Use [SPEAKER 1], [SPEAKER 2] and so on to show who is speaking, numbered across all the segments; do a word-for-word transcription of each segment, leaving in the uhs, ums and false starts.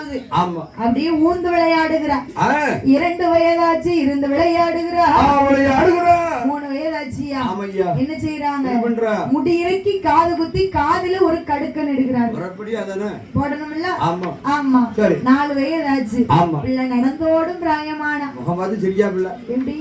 [SPEAKER 1] போகுது. அப்படியே ஊர்ந்து விளையாடுகிறார். இரண்டு வயதாச்சு இருந்து விளையாடுகிறார். மூணு வயதாச்சியா என்ன செய்யறாங்க? முடி இறக்கி காது குத்தி காதுல ஒரு கடுக்க நெடுகிறார். போடணும்ல? ஆமா. நாலு வயதாச்சு பிள்ளை நடந்தோடும் பிராயமான எப்படி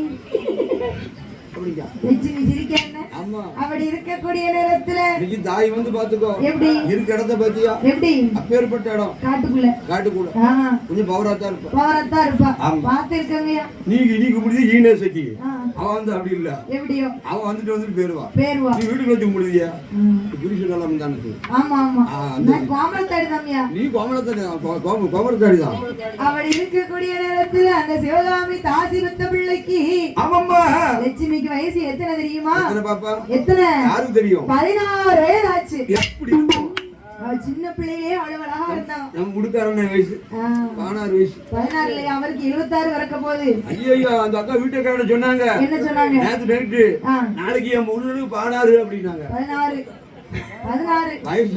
[SPEAKER 1] அப்படி இருக்கக்கூடிய நேரத்துல தாய் வந்து பாத்துக்கோ எப்படி இருக்க இடத்த பாத்தியா எப்படி அப்பேற்பட்ட இடம் காட்டுக்குள்ள காட்டுக்குள்ள கொஞ்சம் பவராத்தா இருப்பா பவராத்தா இருப்பா பாத்துருக்கங்கயா நீங்க நீ கும்பிடுது ஈனே சக்கி அவன் வந்து அப்படி இல்ல எப்படியோ அவன் வந்துட்டு வந்துட்டு பேருவா பேருவா நீ வீட்டுக்கு வச்சு கும்பிடுதியா புருஷ காலம் தானே ஆமா ஆமா நான் கோமலத்தாடி தான்யா நீ கோமலத்தாடி கோமலத்தாடி தான் அப்படி இருக்கக்கூடிய நேரத்துல அந்த சிவகாமி தாசி வித்த பிள்ளைக்கு ஆமாம்மா லட்சுமி வயசு எத்தனை தெரியுமா? எத்தனை பாப்பா? எத்தனை? யாருக்கு தெரியும்? பதினாறு வயது ஆச்சு. எப்படி இருக்கும்? அவ சின்ன பிள்ளையிலே அவ்வளவு அழகா இருந்தா. நம்ம முடுக்காரன வயசு பதினாறு வயசு. பதினாறு இல்லையா? அவருக்கு இருபத்தாறு வரக்க போகுது. ஐயோ அந்த அக்கா வீட்டுக்காரங்க சொன்னாங்க. என்ன சொன்னாங்க? நேத்து நைட் நாளைக்கு என் முழுக்கு பதினாறு அப்படினாங்க. பதினாறு பதினாறு வயசு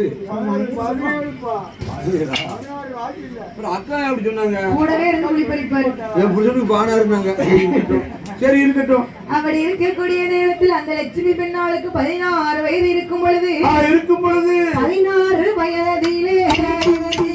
[SPEAKER 1] அக்கா அப்படி சொன்னாங்க. கூடவே இருந்து குழி பறிப்பாரு. என் புருஷனுக்கு பதினாறுனாங்க. சரி இருக்கட்டும். அப்படி இருக்கக்கூடிய நேரத்தில் அந்த லட்சுமி பெண்ணாளுக்கு பதினாறு வயது இருக்கும் பொழுது இருக்கும் பொழுது பதினாறு வயதிலே